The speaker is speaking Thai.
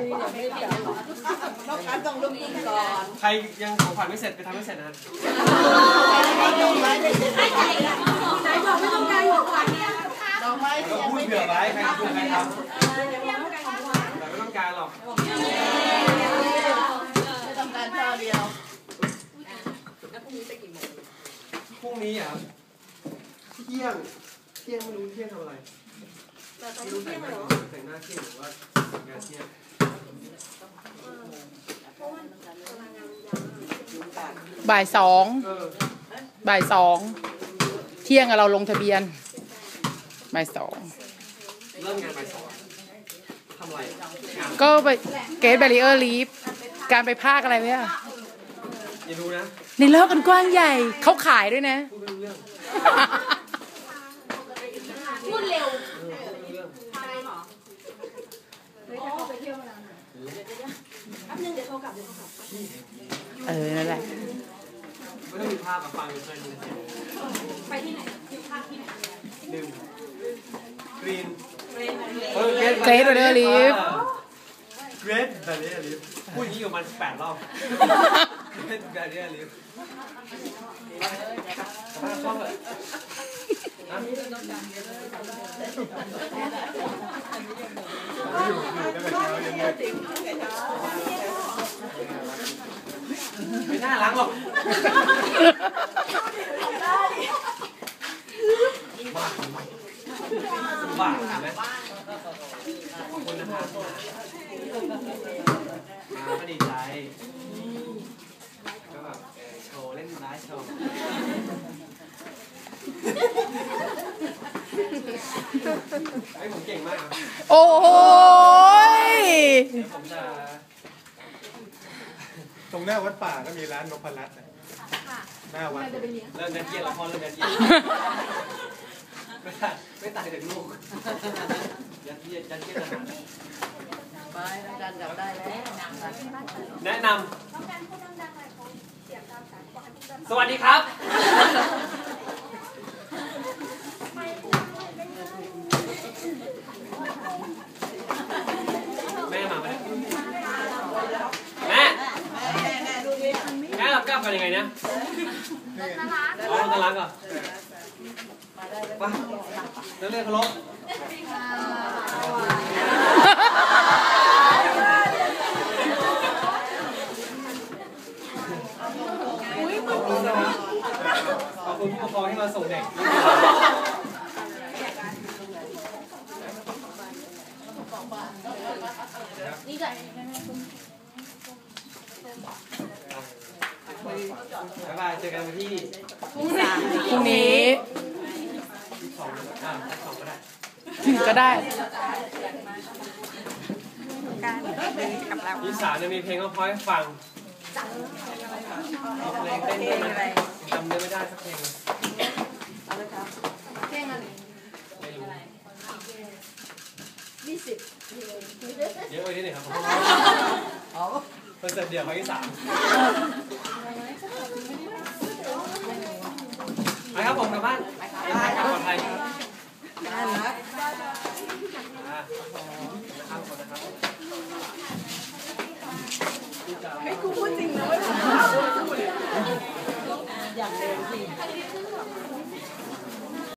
นอกจากต้องลุกขึ้นก่อนใครยังของขวัญไม่เสร็จไปทำให้เสร็จนะไหนบอกไม่ต้องการของขวัญเนี่ยดอกไม้ก็พูดเผื่อไว้ใครทำแต่ไม่ต้องการหรอกไม่ต้องการช่อเดียวแล้วพรุ่งนี้ไปกี่โมงพรุ่งนี้อ่ะเที่ยงไม่รู้เที่ยงทำอะไรไม่รู้แต่งหน้าเที่ยงหรือว่างานเที่ยงบ่ายสองเที่ยงเราลงทะเบียนบ่ายสองเริ่มงานบ่ายสองทำอะไรก็ไปเกตแบรีเออร์ลีฟการไปภาคอะไรเนี่ยอย่าดูนะในโลกกันกว้างใหญ่เขาขายด้วยนะพูดเรื่องพูดเร็วนั่นแหละไม่ต้องมีภาพมาฟังเลยไปที่ไหนภาคที่ไหนดื่มกรีนเกรทแบรีเออร์ลีฟเกรทแบรีเออร์ลีฟพูดอย่างนี้อยู่มัน8 รอบเกรทแบรีเออร์ลีฟชอบเลยไม่น่าล้างหรอกบ้าเห็นไหมขอบคุณนะครับก็ดีใจก็แบบโชว์เล่นไลฟ์โชว์ไอ้ผมเก่งมากครับโอ้ยผมจะตรงหน้าวัดป่าก็มีร้านนพรัตน์หน้าวัดเริ่มเกียร์ละครเริ่มเกียร์ไม่ตายจากลูกยัดเยียดทหารไปอาจารย์จับได้แล้วแนะนำสวัสดีครับแม่มาไหมแม่เรากลับกันยังไงเนี่ยน่ารักเหรอไปเรื่องเคารพขอบคุณผู้ปกครองที่มาส่งเด็กนี่ใจบ๊ายบายเจอกันวันที่พรุ่งนี้ก็ได้ 23 จะมีเพลงก็พอให้ฟังเพลงเต้นได้จำเนื้อไม่ได้สักเพลงเพลงอะไรไม่รู้ 20 เยอะไปนิดหนึ่งครับคอนเสิร์ตเดี่ยวครั้งที่3ไปครับผมกลับบ้านปลอดภัย